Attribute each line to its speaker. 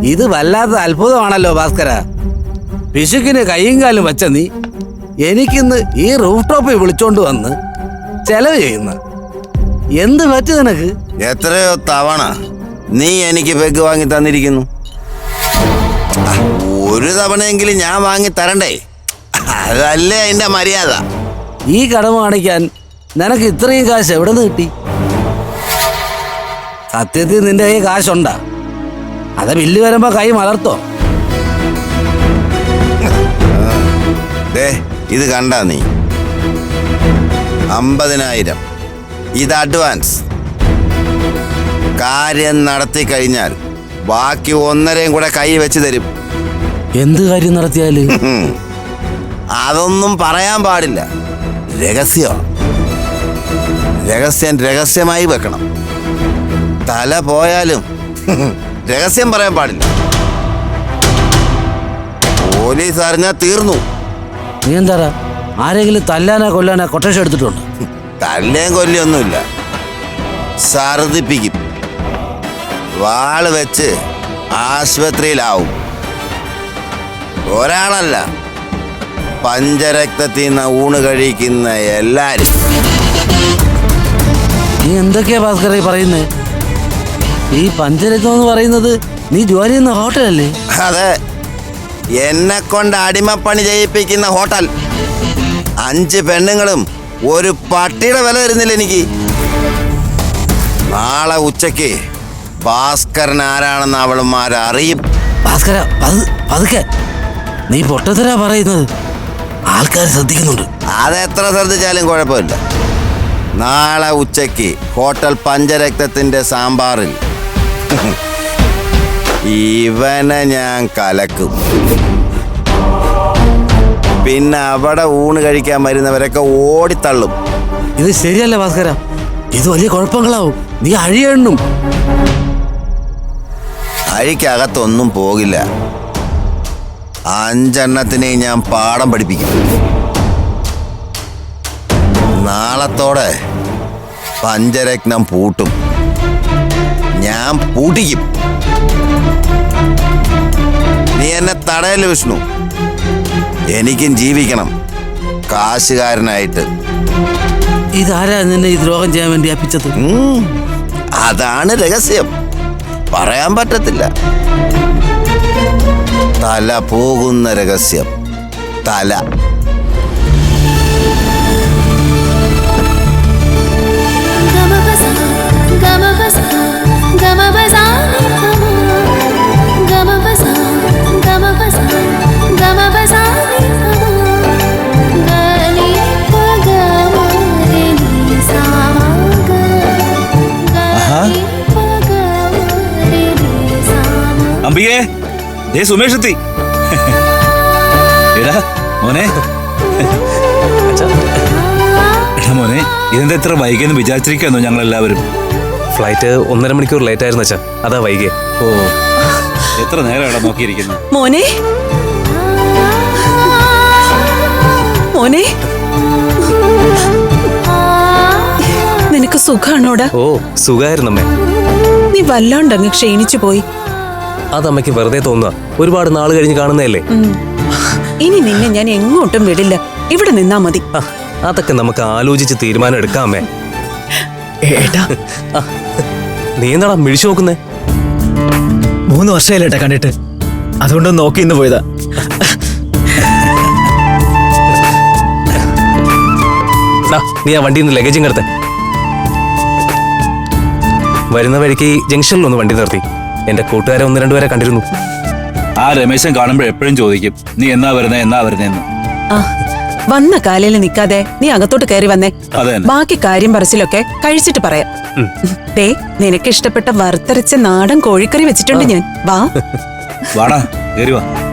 Speaker 1: ഇത് വല്ലാത്ത അത്ഭുതമാണല്ലോ ഭാസ്കര. പിശുക്കിന് കൈയും കാലും വെച്ച നീ എനിക്കിന്ന് ഈ റൂഫ് ടോപ്പിൽ വിളിച്ചോണ്ട് വന്ന് ചെലവ് ചെയ്യുന്ന എന്ത് പറ്റി നിനക്ക്?
Speaker 2: എത്രയോ തവണ നീ എനിക്ക് പെഗ് വാങ്ങി തന്നിരിക്കുന്നു. ഒരു തവണയെങ്കിലും ഞാൻ വാങ്ങി തരണ്ടേ? അതല്ലേ അതിന്റെ മര്യാദ.
Speaker 1: ഈ കടമ കാണിക്കാൻ നിനക്ക് ഇത്രയും കാശ് എവിടെ നിന്ന് കിട്ടി? സത്യത്തിൽ നിന്റെ കൈ കാശുണ്ടാ? അത് ബില്ല് വരുമ്പോ കൈ മലർത്തോ?
Speaker 2: ഇത് കണ്ടാ നീ? 50,000 ഇത് അഡ്വാൻസ്. കാര്യം നടത്തി കഴിഞ്ഞാൽ ബാക്കി 1.5 കൂടെ കൈ വെച്ച് തരും.
Speaker 1: എന്ത് കാര്യം നടത്തിയാല്?
Speaker 2: അതൊന്നും പറയാൻ പാടില്ല. രഹസ്യം രഹസ്യമായി വെക്കണം. തല പോയാലും രഹസ്യം പറയാൻ പാടില്ല. പോലീസ് അറിഞ്ഞാൽ തീർന്നു.
Speaker 1: നീ എന്താ ആരെങ്കിലും തല്ലാനാ കൊല്ലാനാ കൊട്ടേഷൻ എടുത്തിട്ടുണ്ട്?
Speaker 2: തല്ലേം കൊല്ലൊന്നുമില്ല, ഛർദിപ്പിക്കും. വാള് വെച്ച് ആശുപത്രിയിലാവും. ഒരാളല്ല, പഞ്ചരക്തത്തിൽ നിന്ന് ഊണ് കഴിക്കുന്ന എല്ലാരും.
Speaker 1: നീ എന്തൊക്കെയാ ഭാസ്കര പറയുന്നേ? ഈ പഞ്ചരത്നം എന്ന് പറയുന്നത് നീ ജോലി ചെയ്യുന്ന ഹോട്ടലല്ലേ?
Speaker 2: അതെ, എന്നെ കൊണ്ട് അടിമപ്പണി ചെയ്യിപ്പിക്കുന്ന ഹോട്ടൽ. 5 പെണ്ണുങ്ങളും ഒരു പട്ടിയുടെ വില വരുന്നില്ല എനിക്ക്. നാളെ ഉച്ചയ്ക്ക് ഭാസ്കരൻ ആരാണെന്ന് അവളുമാരറിയും.
Speaker 1: ഭാസ്കര പതുക്കെ, നീ പൊട്ടത്തരാ പറയുന്നത്. ആൾക്കാർ ശ്രദ്ധിക്കുന്നുണ്ട്.
Speaker 2: അതെത്ര ശ്രദ്ധിച്ചാലും കുഴപ്പമില്ല. നാളെ ഉച്ചയ്ക്ക് ഹോട്ടൽ പഞ്ചരക്തത്തിന്റെ സാമ്പാറിൽ ഇവനെ ഞാൻ കലക്കും. പിന്നെ അവിടെ ഊണ് കഴിക്കാൻ വരുന്നവരൊക്കെ ഓടിത്തള്ളും.
Speaker 1: ഇത് ശരിയല്ല ഭാസ്കര, ഇത് വലിയ കുഴപ്പങ്ങളാവും. നീ അഴിയെണ്ണും.
Speaker 2: അഴിക്കകത്തൊന്നും പോകില്ല. 5 എണ്ണത്തിനെ ഞാൻ പാഠം പഠിപ്പിക്കും. നാളത്തോടെ പഞ്ചരത്നം പൂട്ടും. ഞാൻ പൂട്ടിക്കും. നീ എന്നെ തടയല് വിഷ്ണു. എനിക്കും ജീവിക്കണം കാശുകാരനായിട്ട്.
Speaker 1: ഇതാരാ നിന്നെ ഈ ദ്രോഹം ചെയ്യാൻ വേണ്ടി അപ്പിച്ചത്?
Speaker 2: അതാണ് രഹസ്യം, പറയാൻ പറ്റത്തില്ല. തല പോകുന്ന രഹസ്യം. തല
Speaker 3: അമ്പികേ, ദേ സുമേഷ് എത്തി. എടാ മോനെ, എടാ മോനെ, ഇതെന്താ ഇത്ര വൈകിയെന്ന് വിചാരിച്ചിരിക്കുന്നു ഞങ്ങൾ എല്ലാവരും.
Speaker 4: ഫ്ലൈറ്റ് 1.5 മണിക്കൂർ ലേറ്റ് ആയിരുന്നു അച്ഛാ, അതാ വൈകിയേ.
Speaker 3: ഓ, എത്ര നേരം ഇവിടെ നോക്കിയിരിക്കുന്നു.
Speaker 5: മോനെ, മോനെ, നിനക്ക് സുഖാണോടാ?
Speaker 4: ഓ, സുഖായിരുന്നമ്മേ.
Speaker 5: നീ വല്ലാണ്ടങ്ങ് ക്ഷീണിച്ചു പോയി.
Speaker 4: അതമ്മയ്ക്ക് വെറുതെ തോന്നുക, ഒരുപാട് നാൾ കഴിഞ്ഞ് കാണുന്നതല്ലേ.
Speaker 5: ഇനി നിന്നെ ഞാൻ എങ്ങോട്ടും വിടില്ല, ഇവിടെ നിന്നാ മതി.
Speaker 4: അതൊക്കെ നമുക്ക് ആലോചിച്ച് തീരുമാനം എടുക്കാമേ. നീ എന്താടാ മിഴിച്ചു നോക്കുന്നേ?
Speaker 6: 3 വർഷമായില്ലേട്ടാ കണ്ടിട്ട്, അതുകൊണ്ടൊന്ന് നോക്കി ഇന്ന് പോയതാ.
Speaker 4: നീ ആ വണ്ടിയിൽ നിന്ന് ലഗേജും കിടത്തെ. വരുന്ന വഴിക്ക് ജംഗ്ഷനിൽ ഒന്ന് വണ്ടി നിർത്തി. എന്റെ കൂട്ടുകാരെ 1-2 പേരെ കണ്ടിരുന്നു.
Speaker 3: ആ രമേശൻ കാണുമ്പോൾ എപ്പോഴും ചോദിക്കും, നീ എന്നാ വരുന്നേന്ന്.
Speaker 5: വന്ന കാലയിൽ നിൽക്കാതെ നീ അകത്തോട്ട് കയറി വന്നേ. ബാക്കി കാര്യം പറച്ചിലൊക്കെ കഴിച്ചിട്ട് പറയാം. ദേ, നിനക്ക് ഇഷ്ടപ്പെട്ട വറുത്തരച്ച നാടൻ കോഴിക്കറി വെച്ചിട്ടുണ്ട് ഞാൻ. വാ
Speaker 3: വാടാ, കേറി വാ.